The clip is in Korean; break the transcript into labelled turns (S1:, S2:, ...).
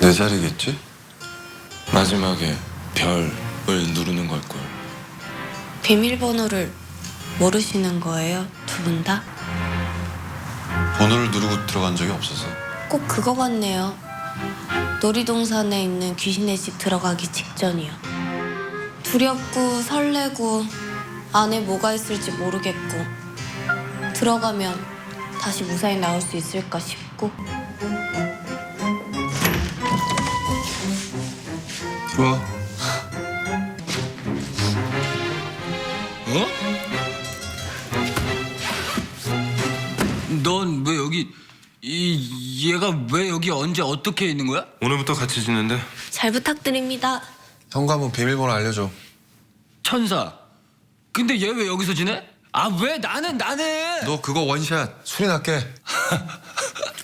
S1: 내 자리겠지? 마지막에 별을 누르는 걸걸.
S2: 비밀번호를 모르시는 거예요? 두 분 다?
S1: 번호를 누르고 들어간 적이 없어서.
S2: 꼭 그거 같네요. 놀이동산에 있는 귀신의 집 들어가기 직전이요. 두렵고 설레고 안에 뭐가 있을지 모르겠고 들어가면 다시 무사히 나올 수 있을까 싶고.
S1: 들어와.
S3: 어? 넌 왜 여기 얘가 왜 여기 언제 어떻게 있는 거야?
S1: 오늘부터 같이 지낸대.
S2: 잘 부탁드립니다.
S1: 현관문 비밀번호 알려줘.
S3: 천사. 근데 얘 왜 여기서 지내? 아 왜 나는
S1: 너 그거 원샷. 술이 났게.